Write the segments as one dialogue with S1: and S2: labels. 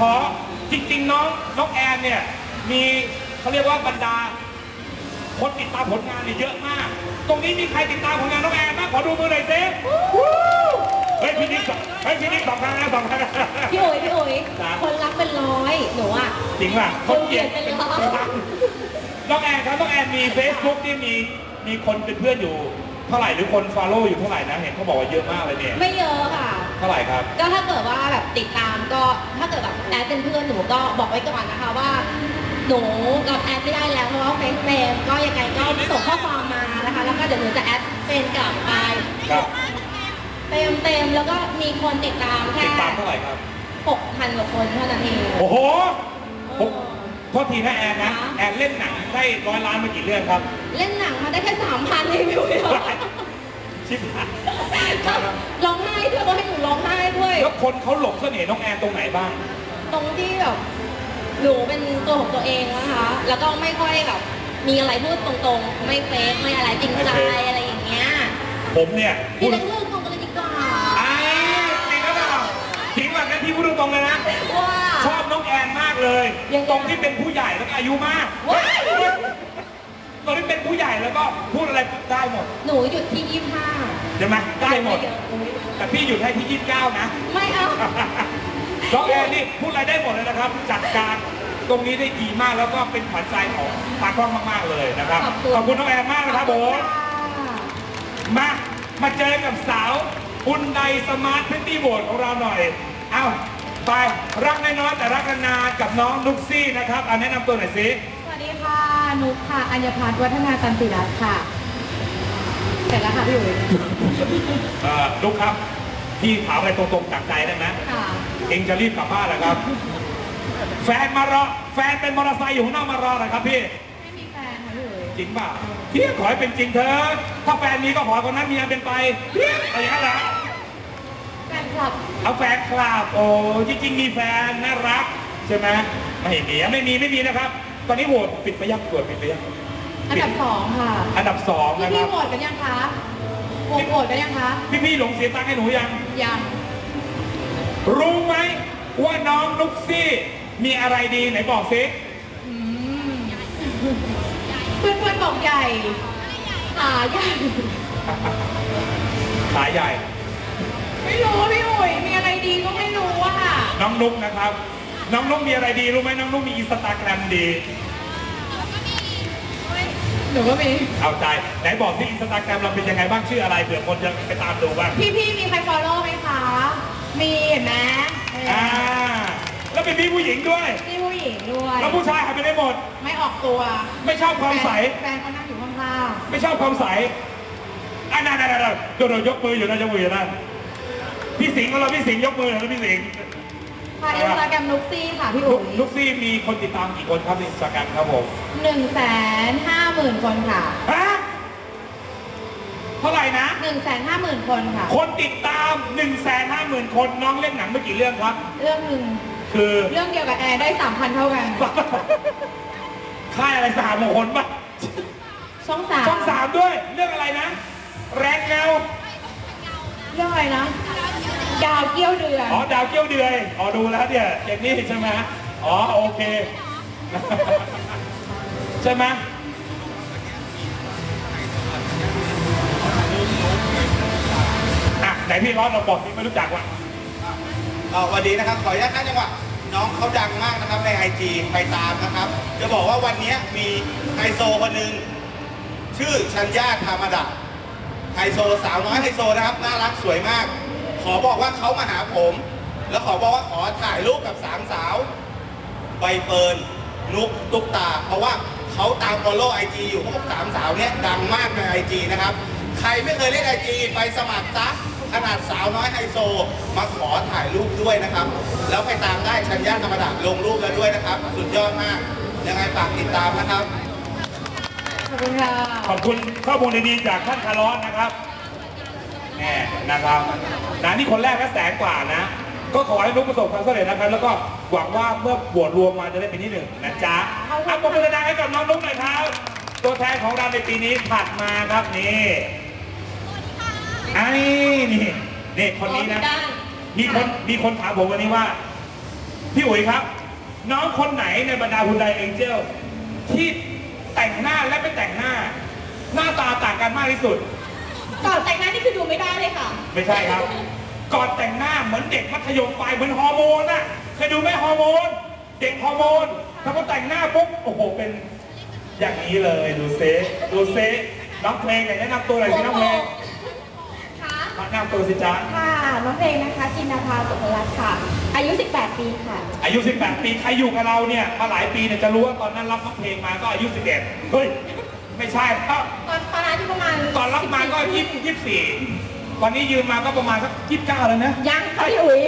S1: อจริงๆน้องแอนเนี่ยมีเขาเรียกว่าบรรดาคนติดตามผลงานเนี่ยเยอะมากตรงนี้มีใครติดตามผลงานน้องแอนบ้างขอดูมือหน่อยสิเฮ้ยพี่นิกสองครั้งนะสองครั้ง
S2: พี่อุ๋ยคนรักเป็นร้อยหนูอ่ะ
S1: จริงป่ะคนเกลียดเป็นร้อยน้องแอนครับน้องแอนมี Facebook ที่มีคนเป็นเพื่อนอยู่เท่าไหร่หรือคน follow อยู่เท่าไหร่นะเห็นเขาบอกว่าเยอะมากเลยเนี่ย
S2: ไม่เยอะค่ะ
S1: เท่าไหร่ครับ
S2: ก็ถ้าเกิดว่าแบบติดตามก็ถ้าเกิดแบบแอดเป็นเพื่อนหนูก็บอกไว้ก่อนนะคะว่าหนูกับแอดไม่ได้แล้วเพราะว่าเฟซเฟรมก็ยังไงก็ส่งข้อความมานะคะแล้วก็เดี๋ยวหนูจะแอดเป็นกลับไปเต็มแล้วก็มีคนติดตามแค่
S1: ติดตามเท่าไหร่ครับ
S2: 6,000 กว่าคนเท่านั้นเอง
S1: โอ้โหโทษทีนะแอนนะแอนเล่นหนังได้100 ล้านมากี่เรื่องครับ
S2: เล่นหนังมาได้แค่3,000เองพี่วิว
S1: ชิบหาย
S2: ร้องไห้ด้วยก็ให้หนูร้องไห้ด้วย
S1: แล้วคนเขาหลงเสน่ห์น้องแอนตรงไหนบ้าง
S2: ตรงที่แบบหนูเป็นตัวของตัวเองนะคะแล้วก็ไม่ค่อยแบบมีอะไรพูดตรงๆไม่เฟซไม่อะไรจริงใจอะไรอย่างเงี้ย
S1: ผมเนี่ย
S2: พูดเรื่องตรงกันเลยดีกว่า
S1: จริงแล้วเปล่าทิ้งแบบนั้นที่พูดตรงๆเลยนะ
S2: ว่า
S1: ชอบน้องแอนมากเลยตรงที่เป็นผู้ใหญ่แล้วก็อายุมากตอนที่เป็นผู้ใหญ่แล้วก็พูดอะไรได้หมด
S2: หนูหยุดที่25
S1: ใช่ไหมได้หมดแต่พี่หยุดให้ที่29นะ
S2: ไม่เอา
S1: น้องแอนนี่พูดอะไรได้หมดเลยนะครับจัดการตรงนี้ได้ดีมากแล้วก็เป็นขวัญใจของตากล้องมากๆเลยนะครับขอบคุณน้องแอนมากนะครับผมมาเจอกับสาวอุนไดสมาร์ทพริตตี้โหวตของเราหน่อยเอ้าไปรักน้อยๆแต่รักนานๆกับน้องนุ๊กซี่นะครับแนะนำตัวหน่อยสิ
S2: สวัสดีค่ะนุ๊กค่ะอัญญพัฒน์วัฒนาตันติรัตน์ค่ะเสร็จแล้วค่ะพี่อุ๋ย
S1: นุ๊กครับพี่ถามอะไรตรงๆจากใจได้ไหมเองจะรีบกลับบ้านเหรอครับแฟนมารอแฟนเป็นมอเตอร์ไซค์อยู่ข้างนอกมารอเหรอครับพี่
S2: ไม่มีแฟนค่ะพี่อุ๋ย
S1: จริงป่ะพี่ขอให้เป็นจริงเถอะถ้าแฟนมีก็ขอคนนั้นมีอันเป็นไปอะไรอย่างนั้นเหรอ
S2: แฟนคลับ
S1: เอาแฟนคลับโอ้จริงๆมีแฟนน่ารักใช่ไหมไม่มีนะครับตอนนี้โหวตปิดไปยังตรวจปิดไปยัง
S2: อันดับ2ค่ะ
S1: อันดับ2นะครับ
S2: พี่โหวตกันยังคะโหวตกันยังคะ
S1: พี่หลงเสียตังค์ให้หนูยังรู้ไหมว่าน้องนุ๊กซี่มีอะไรดีไหนบอกสิ
S2: เพื่อนบอกใหญ่ขาใหญ่
S1: ขาใหญ่
S2: ไม่รู้พี่อุ๋ยมีอะไรดีก็ไม่รู้อะค่ะ
S1: น้องนุ๊กนะครับน้องนุ๊กมีอะไรดีรู้ไหมน้องนุ๊กมีอินสตาแกรมดี
S2: หนูก็มี
S1: เอาใจไหนบอกที่อินสตาแกรมเราเป็นยังไงบ้างชื่ออะไรเผื่อคนจะไปตามดูบ้าง
S2: พี่มีใครฟอลโล่ไหมคะมีเห็นไหม
S1: แล้วเป็นพี่ผู้หญิงด้วย
S2: พี่ผู้หญิงด้วย
S1: แล้วผู้ชายหายไปได้หมด
S2: ไม่ออกตัว
S1: ไม่ชอบความใส
S2: แฟนเขานั่งอยู่ข้างๆ
S1: ไม่ชอบความใสนั่นโดนยกมืออยู่นะพี่สิงห์ของเราพี่สิงห์ยกมือนะพี่สิงห์
S2: ค่ะอินสตาแกรมนุ๊กซี่ค่ะพี่อุ๋ย
S1: นุ๊กซี่มีคนติดตามกี่คนครับในอินสตาแกรมครับผม
S2: 150,000 คนค่ะ
S1: เท่าไหร่นะ
S2: 150,000 คนค่ะ
S1: คนติดตาม 150,000 คนน้องเล่นหนังเมื่อกี่เรื่องครับ
S2: เรื่องหนึ่ง
S1: คือ
S2: เรื่องเดียวกับแอร์ได้ 3,000 เท่ากัน
S1: ค่ายอะไร3 คนปะ
S2: ช่อง
S1: 3ด้วยเรื่องอะไรนะแรงเงา
S2: เรื่องอะไรนะดาวเกี้ยวเดือย
S1: ดาวเกี้ยวเดือยดูแล้วเนี่ยอย่างนี้ใช่ไหมโอเคใช่ไหมไหนพี่ร้อนเราบอกที่ไม่รู้จักว่ะ
S3: วันนี้นะครับขออนุญาตท่านจังหวะน้องเขาดังมากนะครับใน IG ไปตามนะครับจะบอกว่าวันนี้มีไฮโซคนหนึ่งชื่อชัญญาธรรมดาไฮโซสาวน้อยไฮโซนะครับน่ารักสวยมากขอบอกว่าเขามาหาผมแล้วขอบอกว่าขอถ่ายรูปกับ3 สาวใบเฟิร์นนุ๊กตุ๊กตาเพราะว่าเขาตามฟอลโล่ IG อยู่พวก3 สาวเนี่ยดังมากใน IG นะครับใครไม่เคยเล่น IG ไปสมัครซะขนาดสาวน้อยไฮโซมาขอถ่ายรูปด้วยนะครับแล้วไปตามได้ชัญญาธรรมดาลงรูปแล้วด้วยนะครับสุดยอดมากยังไงฝากติดตามนะครับ
S2: ขอบคุณค่ะ
S1: ขอบคุณข้อมูลดีๆจากท่านคาร์ลอสนะครับแน่นะครับนี่คนแรกก็100,000 กว่านะก็ขอให้นุ๊กประสบความสำเร็จนะครับแล้วก็หวังว่าเมื่อบวชรวมมาจะได้เป็นที่1นะจ๊ะเอาปรบมือดังให้กับน้องนุ๊กหน่อยครับตัวแทนของเราในปีนี้ถัดมาครับนี่นี่คนนี้นะมีคนถามผมวันนี้ว่าพี่อุ๋ยครับ น้องคนไหนในบรรดาฮุนไดเอ็นเจลที่แต่งหน้าและไม่แต่งหน้า หน้าตาต่างกันมากที่สุด
S2: ก่อนแต่งหน้านี่คือดูไม่ได้เลยค่ะ
S1: ไม่ใช่ครับ ก่อนแต่งหน้าเหมือนเด็กมัธยมปลายเหมือนฮอร์โมนอะเคยดูไหมฮอร์โมน เด็กฮอร์โมนถ้าพอแต่งหน้าปุ๊บโอ้โหเป็นอย่างนี้เลยดูเซดูเซน้องเพลงไหนแนะนำตัวหน่อยสิน้องเพลง
S2: ค่ะ
S1: แนะนำตัวสิจ๊ะ
S2: ค่ะ น้องเพลงนะคะ จินดาภาสุภรัตน์ค่ะ อายุ 18 ปีค่ะ
S1: อายุ 18 ปีใครอยู่กับเราเนี่ยมาหลายปีเนี่ยจะรู้ว่าตอนนั้นรับน้องเพลงมาก็อายุ 11 เฮ้ยไม่ใช่ครับ
S2: ตอนนั้นที่ประมาณ
S1: ตอนรับมาก็24ตอนนี้ยืมมาก็ประมาณสัก29แล้วนะ
S2: ยังค่ะพี่อุ๋ย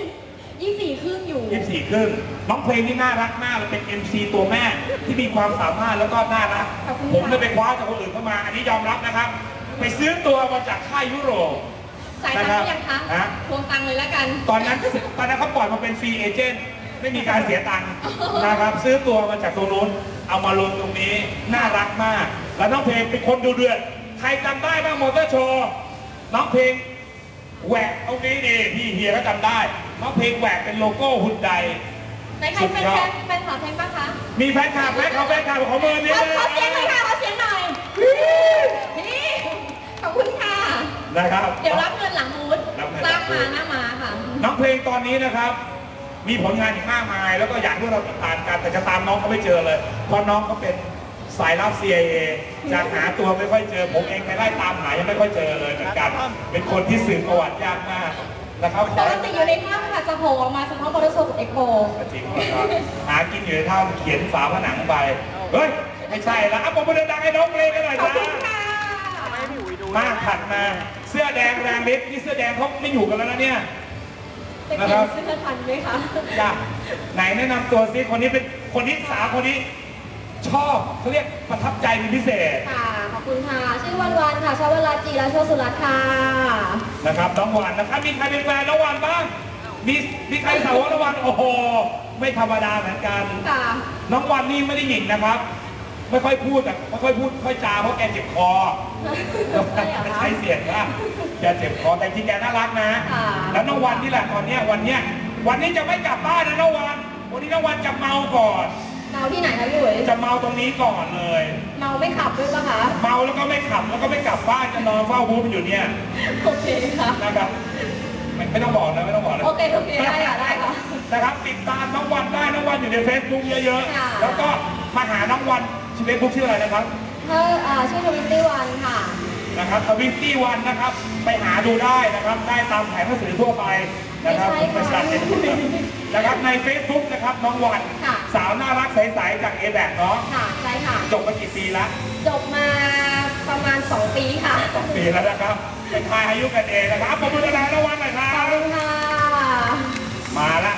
S2: 24 ครึ่งอยู่
S1: 24 ครึ่งน้องเพลงนี่น่ารักมากเลยเป็น MC ตัวแม่ที่มีความสามารถแล้วก็น่ารัก
S2: ขอบคุณค่ะ
S1: ผมได้ไปคว้าจากคนอื่นเข้ามา อันนี้ยอมรับนะครับ ไปซื้อตัวมาจากค่ายยุโรป
S2: จ่ายตังค์หรือยังคะ
S1: ฮะ
S2: ทวงตังค์เลยแล้วกัน
S1: ตอนนั้นเขาปล่อยมาเป็นฟรีเอเจนต์ไม่มีการเสียตังค์นะครับ ซื้อตัวมาจากตรงนู้นเอามาลงตรงนี้น่ารักมาก แล้วน้องเพลงเป็นคนดูเดือดใครจำได้บ้างมอเตอร์โชว์น้องเพลงแหวกตรงนี้นี่พี่เฮียก็จำได้น้องเพลงแหวกเป็นโลโก้ฮุนได
S2: ในใครเป็นแฟนคลับเพลงบ้างคะ
S1: มีแฟนคลับไหมเขาแฟนคลับของมือนี้
S2: ขอเสียงหน่อยค่ะขอเสียงหน่อยนี่ขอบคุณค่ะ
S1: นะครับ
S2: เดี๋ยวรับเงินหลังบูธ
S1: รับเงินหลังบูธ
S2: หน้ามาค่ะ
S1: น้องเพลงตอนนี้นะครับ มีผลงานอีกมากมาย แล้วก็อยากให้เราติดตามกันแต่จะตามน้องเขาไม่เจอเลย เพราะน้องเขาเป็นสายลับ CIA จะหาตัวไม่ค่อยเจอ ผมเองไปไล่ตามหายังไม่ค่อยเจอเลยเหมือนกัน เป็นคนที่สืบประวัติยากมากนะครับ
S2: ปกติอยู่ในถ้ำค่ะจะโผล่ออกมาเฉพาะมอเตอร์โชว์กับเอ็กโป
S1: จริงครับหากินอยู่ในถ้ำเขียนฝาผนังไปเฮ้ยไม่ใช่ละอ่ะผมมาเดินดังให้น้องเพลงกันหน่อย
S2: ขอบ
S1: จ้า
S2: คุณค่ะ
S1: มาถัดมาเสื้อแดงแรงฤทธิ์นี่เสื้อแดงเขาไม่อยู่กันแล้วนะเนี่ย
S2: จะเปลี่ยนเสื้อทันไหมคะ
S1: จ้ะไหนแนะนำตัวซิคนนี้เป็นคนที่สาวคนนี้ชอบเขาเรียกประทับใจเป็นพิเศษ
S2: ค่ะขอบคุณค่ะ ชื่อวันวันค่ะชาวราจีและโชสุรัตน์ค่ะ
S1: นะครับน้องวันนะครับมีใครเป็นแฟนน้องวันบ้างมีใครสาวน้องวันโอ้โหไม่ธรรมดาเหมือนกัน
S2: ค่ะ
S1: น้องวันนี่ไม่ได้หญิงนะครับ ไม่ค่อยพูดแต่ไม่ค่อยพูดค่อยจาเพราะแกเจ็บคอไม่ใช้เสียงนะแกเจ็บคอแต่จริงแกน่ารักนะ แล้วน้องวันนี่แหละตอนเนี้ยวันนี้จะไม่กลับบ้านนะน้องวันนี้น้องวันจะเมาก่อน
S2: เมาที่ไหนคะพี่อุ๋ย
S1: จะเมาตรงนี้ก่อนเลย
S2: เมาไม่ขับด้วยปะคะ
S1: เมาแล้วก็ไม่ขับแล้วก็ไม่กลับบ้านจะนอนเฝ้าบูธอยู่เนี่ย
S2: โอเคค่ะ
S1: นะครับไม่ต้องบอกนะไม่ต้องบอกนะ
S2: โอเคได้ค่ะได้ค่ะ
S1: นะครับติดตามน้องวันได้น้องวันอยู่ในเฟซบุ๊กเยอะ
S2: ค่ะ
S1: ๆแล้วก็มาหาน้องวันชื่อเฟซบุ๊กชื่ออะไรนะครับ
S2: ชื่อทวิตตี้วันค่ะ
S1: นะครับทวิตตี้วันนะครับไปหาดูได้นะครับได้ตามแผงหนังสือทั่วไปนะครับ
S2: ไม่ใช่ค่ะ
S1: นะครับใน Facebook นะครับน้องวัน
S2: ค่ะ
S1: สาวน่ารักใสๆจากเอแบกเนาะ
S2: ค่ะใช่ค่ะ
S1: จบมากี่ปีแล้ว
S2: จบมาประมาณ 2 ปีค่ะ
S1: 2 ปีแล้วนะครับเป็นทายอายุกันเองนะครับผมดูแลน้องวันหน่อยครั
S2: ขอบบ คุณค่ะ
S1: มาแล้ว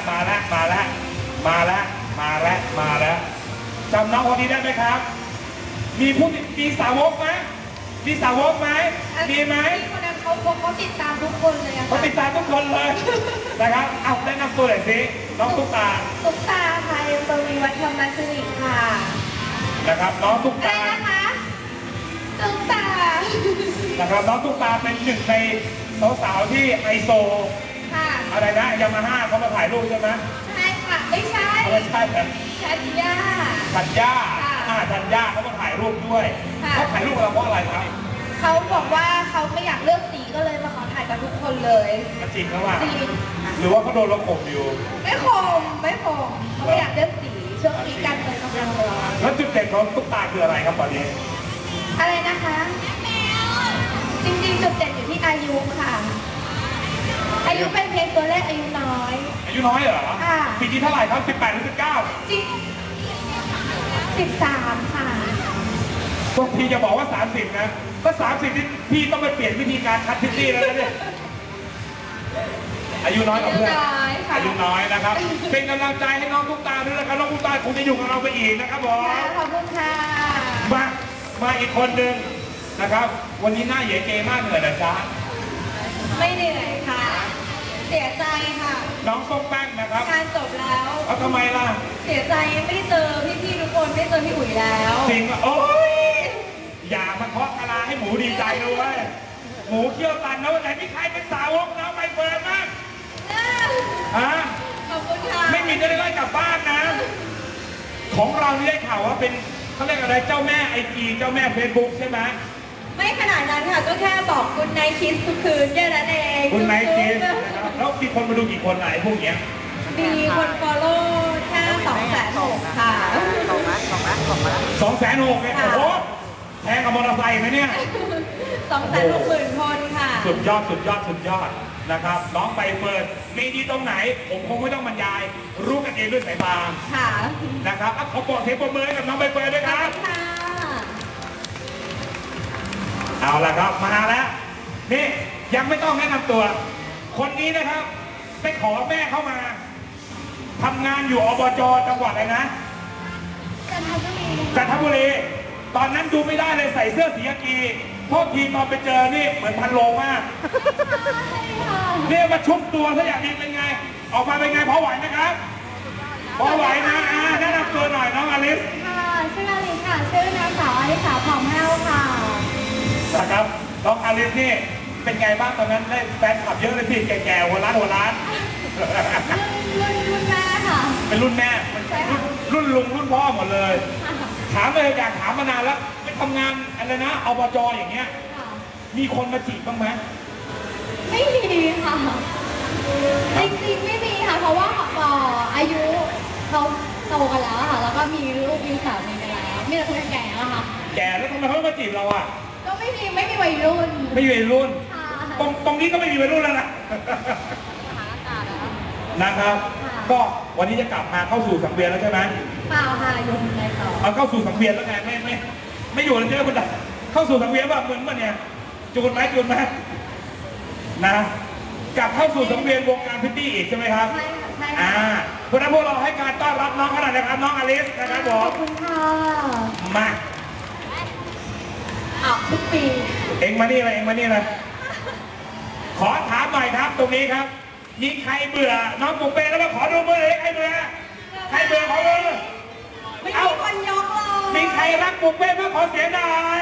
S1: จำน้องคนนี้ได้ไหมครับ มีสาวกไหมมีสาวกไหมมีไหม
S2: พี่คนนั้นเขาติดตามทุกคนเลยอะ
S1: เขา
S2: ค่ะ
S1: ติดตามทุกคนเลยนะครับเอาแนะนำตัวหน่อยสิน้องตุ๊กตา
S2: ตุ๊กตาค่ะยังตรงมีวัฒนธรรมสิริค่ะ
S1: นะครับน้องตุ๊ก
S2: อะไร
S1: ตา
S2: นะคะตุ๊กตา
S1: นะครับน้องตุ๊กตาเป็นหนึ่งในสาวๆที่ไฮโซ
S2: ค่ะ
S1: อะไรนะยามาฮ่าเขามาถ่ายรูปใช่ไหม
S2: ใช่ค่ะไม่ใช่
S1: ไม่ใช่แต่
S2: ชัดย่า
S1: ธัญญา
S2: ค่ะ
S1: ธัญญาเขามาถ่ายรูปด้วย
S2: ค่ะ
S1: เขาถ่ายรูปกับเราเพราะอะไรครับ
S2: เขาบอกว่าเขาไม่อยากเลือกสีก็เลยมาขอถ่ายกับทุกคนเลย
S1: มันจริงหรือเปล่า
S2: จริง
S1: หรือว่าเขาโดนเราข่มอยู่
S2: ไม่คมเขาไม่อยากเลือกสีช่วงนี้การเมืองกำลังร้อน
S1: แล้วจุดเด่นของตุ๊กตาคืออะไรครับตอนนี้
S2: อะไรนะคะจริงๆจุดเด่นอยู่ที่อายุค่ะ อายุเป็นเพียงตัวเลขอายุน้อย
S1: อายุน้อยเหรอ
S2: ค่ะ
S1: ปีนี้เท่าไหร่ครับ18หรือ19
S2: จริง13 ค่ะ
S1: บางทีจะบอกว่า 30 นะถ้า30นี่พี่ต้องไปเปลี่ยนวิธีการคัดพิตตี้แล้วนะเนี่ยอายุน้อยกว่าเพื่อน
S2: อายุน้อยค่ะ
S1: อายุน้อยนะครับ เป็นกำลังใจให้น้องตุ๊กตาด้วยนะครับน้องตุ๊กตาคงจะอยู่กับเราไปอีกนะครับผม
S2: ขอบคุณค่ะ
S1: มาอีกคนหนึ่งนะครับ วันนี้หน้าเหยเกมากเหนื่อยนะจ๊ะ
S2: ไม่เหนื่อยค่ะ เสียใจค่ะ
S1: น้องส้มแป้งนะครับ
S2: งานจบแล้ว
S1: เอาทำไมล่ะ
S2: เสียใจไม่ได้เจอพี่ๆทุกคนไม่ได้เจอพี่อุ๋ยแล้ว
S1: จริงอ่ะโอ้ยอย่ามาเคาะกะลาให้หมูดีใจด้วยหมูเคี่ยวตันนะวันไหนมีใครเป็นสาวกนะใบเฟิร์นบ้างฮะ
S2: ขอบคุณค่ะ
S1: ไม่มีจะได้ไล่ของเรานี่ได้ข่าวว่าเป็นเขาเรียกอะไรเจ้าแม่ไอจีเจ้าแม่เฟซบุ๊กใช่ไหม
S2: ไม่ขนาดนั้นค่ะก็แค่บอกคุณนายคิสทุกคืนแค่นั้นเอง
S1: คุณไนท์คิสนะครับแล้วมีคนมาดูกี่คนไหนพวกเนี้ย
S2: มีคน follow แค่260,000ค่ะ
S1: 260,000เนี่ยโอ้โหแพงกับมอเตอร์ไซค์ไหมเนี่ย
S2: 260,000 คนค่ะ
S1: สุดยอดสุดยอดสุดยอดนะครับน้องใบเฟิร์นมีดีตรงไหน ผมคงไม่ต้องบรรยาย รู้กันเองด้วยสายตา
S2: ค่ะ
S1: นะครับขอบอกเสียงปรบมือให้กับน้องใบเฟิร์นด้วยครับ
S2: ค่ะ
S1: เอาละครับมาแล้วนี่ยังไม่ต้องแนะนำตัว คนนี้นะครับไปขอแม่เข้ามาทำงานอยู่อบจจังหวัดอะไรนะ
S2: จันทบุรี
S1: จันทบุรีตอนนั้นดูไม่ได้เลยใส่เสื้อสีกากีโทษทีตอนไปเจอนี่เหมือนพันโลมาก
S2: ใช่ค่ะ
S1: เนี่ยมาชุบตัวซะอย่างนี้เป็นไง ออกมาเป็นไงพอไหวไหมครับพอไหวนะแนะนำตัวหน่อยน้องอลิส
S2: ค่ะชื่ออลิสค่ะชื่อนางสาวอลิสาผ่องแห้วค่ะ
S1: นะครับน้องอลิสนี่เป็นไงบ้างตอนนั้นได้แฟนคลับเยอะเลยพี่แก่ๆหัวล้าน
S2: รุ่นแม่ค่ะ
S1: เป็นรุ่นแม่
S2: ใช่ค่ะ
S1: รุ่นลุงรุ่นพ่อหมดเลย ถามเลยอยากถามมานานแล้วไปทำงานอะไรนะอบจอย่างเงี้ย
S2: ค่ะ
S1: มีคนมาจีบบ้างไหม
S2: ไม่มีค่ะจริงๆไม่มีค่ะ เพราะว่าอายุเขาโตกันแล้วค่ะ แล้วก็มีลูกมีสามีกันแล้วมีแต่คนแก่แล้วค่ะ
S1: แก่แล้วทำไมเขาไม่มาจีบเราอ่ะ
S2: ก็ไม่มีวัยรุ่น
S1: ไม่มีวัยรุ่น
S2: ค่ะ
S1: ตรงนี้ก็ไม่มีวัยรุ่นแล้วนะ นะครับ ก็วันนี้จะกลับมาเข้าสู่สังเวียนแล้วใช่ไหม
S2: เปล่าค่ะอยู่ในต่อ
S1: เอาเข้าสู่สังเวียนแล้วไงไม่อยู่แล้วใช่ไหมคุณดาเข้าสู่สังเวียนแบบเหมือนมันเนี่ยจูนไหมนะกลับเข้าสู่สังเวียนวงการพิตตี้อีกใช่ไหมครับ
S2: ใช่ค่ะใช่ค่ะ
S1: เพราะฉะนั้นพวกเราให้การต้อนรับน้องขนาดนะครับน้องอลิสนะครับผ
S2: ขอ
S1: ม
S2: บคุณค่ะ
S1: มา
S2: ทุกปี
S1: เอ็งมานี่เลยขอถามหน่อยครับตรงนี้ครับ มีใครเบื่อน้องปุ๊กเป้แล้วมาขอดูมือเลยใครเบื่อขอมือ
S2: ไม่มีคนยกเลย
S1: มีใครรักปุ๊กเป้บ้างขอเสียงหน่อย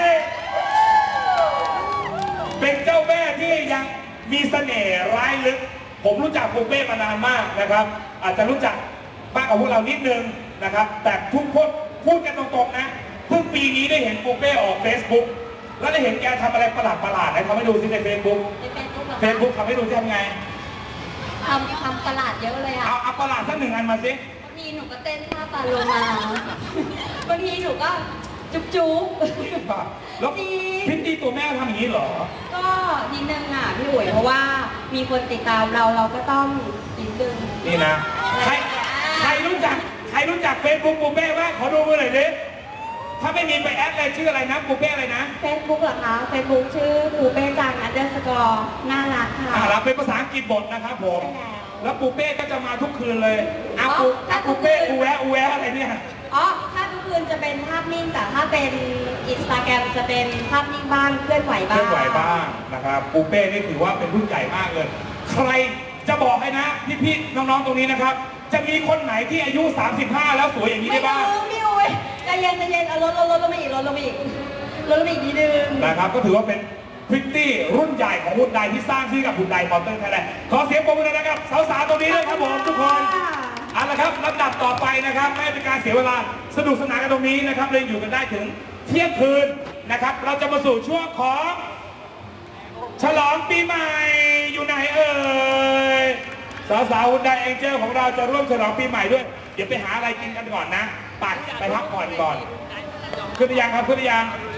S1: เป็นเจ้าแม่ที่ยังมีเสน่ห์ร้ายลึก ผมรู้จักปุ๊กเป้มานานมากนะครับ อาจจะรู้จักมากกว่าพวกเรานิดนึงนะครับ แต่ทุกคนพูดกันตรงๆนะเพิ่งปีนี้ได้เห็นปุ๊กเป้ออก Facebook แล้วได้เห็นแกทำอะไรประหลาดๆนะทำให้ดูสิใน Facebook
S2: ใน
S1: Facebook ทำให้ดูที่ทำไง
S2: ทำตลาดเยอะเลยอ่ะ
S1: เอาประหลาดสักหนึ่งอันมาสิ
S2: บางทีหนูก็เต้นท่าปลาโลมาบางทีหนูก็จุ๊บ
S1: แล้วพิตตี้ตัวแม่ทำอย่างนี้เหรอ
S2: ก็นิดนึงอ่ะพี่อุ๋ยเพราะว่ามีคนติดตามเราก็ต้องนิดนึง
S1: นี่นะ ใครรู้จักเฟซบุ๊กปูเป้บ้างขอดูมือหน่อยดิถ้าไม่มีไปแอดเลยชื่ออะไรนะปูเป้อะไรนะ
S2: เฟซบุ๊กเหรอคะเฟซบุ๊กชื่อปูเป้จัง_น่ารักค่ะ
S1: เราเป็นภาษาอังกฤษบทนะครับผม
S2: ใช่แล้ว
S1: แล้วปูเป้ก็จะมาทุกคืนเลยปูเป้อูแวะอะไรเนี่ย
S2: อ๋อถ้าทุกคืนจะเป็นภาพนิ่งแต่ถ้าเป็นอินสตาแกรมจะเป็นภาพนิ่งบ้างเคลื่อนไหว
S1: เค
S2: บ้าง
S1: ลื่อนไหวบ้างนะครับปูเป้นี่ถือว่าเป็นรุ่นใหญ่มากเลย ใครจะบอกให้นะพี่ๆน้องๆตรงนี้นะครับ จะมีคนไหนที่อายุ 35 แล้วสวยอย่างนี้
S2: ไม่
S1: ได้บ้าง
S2: รู้พี่อุ๋ยใจเย็นเอาลดมาอีกนิดนึง
S1: นะครับก็ถือว่าเป็นพริตตี้รุ่นใหญ่ของหุ่นใดที่สร้างชื่อกับหุ่นใดมอเตอร์ไทยแลนด์ขอเสียงปรบมือนะครับสาวๆตรงนี้ด้วยครับผมทุกคนเอาละครับลำดับต่อไปนะครับไม่เป็นการเสียเวลาสนุกสนานกันตรงนี้นะครับเลยอยู่กันได้ถึงเที่ยงคืนนะครับ เราจะมาสู่ช่วงของฉลองปีใหม่อยู่ไหนเอ่ยสาวๆหุ่นใดเอ็นเจลของเราจะร่วมฉลองปีใหม่ด้วยเดี๋ยวไปหาอะไรกินกันก่อนนะไปพักผ่อนก่อนขึ้นหรือยังครับขึ้นหรือยัง